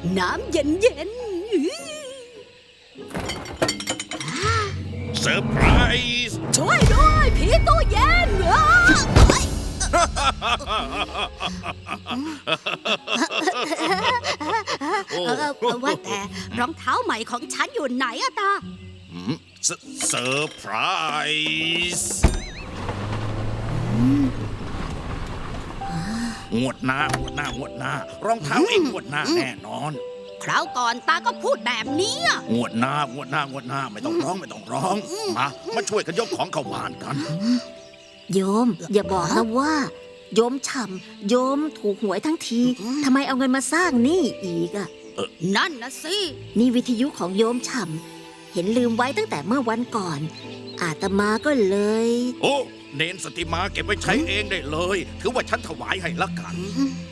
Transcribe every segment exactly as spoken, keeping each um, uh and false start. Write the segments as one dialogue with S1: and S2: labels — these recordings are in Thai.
S1: น้ำเย็นเย็น
S2: เซอร์ไพรส์
S1: ช่วยด้วยผีตู้เย็นเออว่าแต่รองเท้าใหม่ของฉันอยู่ไหนอะตา
S2: เซอร์ไพรส์งวดหน้างวดหน้างวดหน้ารองเท้าเองงวดหน้าแน่นอน
S1: คราวก่อนตาก็พูดแบบนี้
S2: งวดหน้างวดหน้างวดหน้าไม่ต้องร้องไม่ต้องร้องมามาช่วยกันยกของเข้าบ้านกัน
S3: โยมอย่าบอกนะว่าโยมฉ่ำโยมถูกหวยทั้งทีทำไมเอาเงินมาสร้างนี่อีกอะ
S1: นั่นนะสิ
S3: นี่วิทยุของโยมฉ่ำเห็นลืมไว้ตั้งแต่เมื่อวันก่อนอาตมาก็เลย
S2: โอ้เนนสติมาเก็บไว้ใช้เองได้เลยถือว่าฉันถวายให้ละกัน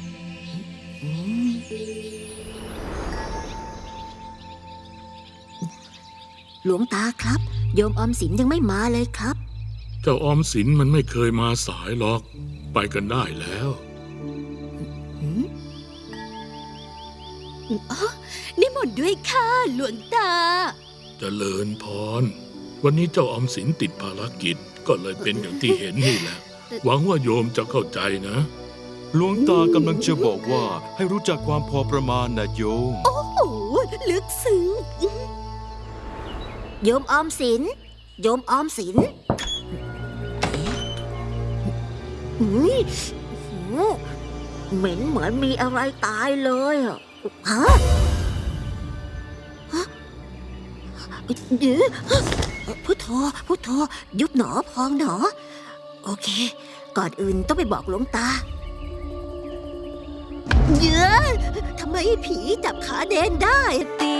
S3: หลวงตาครับโยมออมสินยังไม่มาเลยครับ
S4: เจ้าออมสินมันไม่เคยมาสายหรอกไปกันได้แล้ว
S1: อ๋อนิมนต์ด้วยค่ะหลวงตา
S4: เจริญพรวันนี้เจ้าออมสินติดภารกิจก็เลยเป็นอย่างที่เห็นนี่แหละหวังว่าโยมจะเข้าใจนะ
S5: หลวงตากำลังจะบอกว่าให้รู้จักความพอประมาณนะโยม
S1: โอ้โหลึกซึ้ง
S3: โยมออมสินโยมออมสินอุ้ยเหม็นเหมือนมีอะไรตายเลยอะฮะเดี๋ยวพุทโธพุทโธยุบหนอพองหนอโอเคก่อนอื่นต้องไปบอกหลวงตาเยอะทำไมผีจับขาเดนได้ตี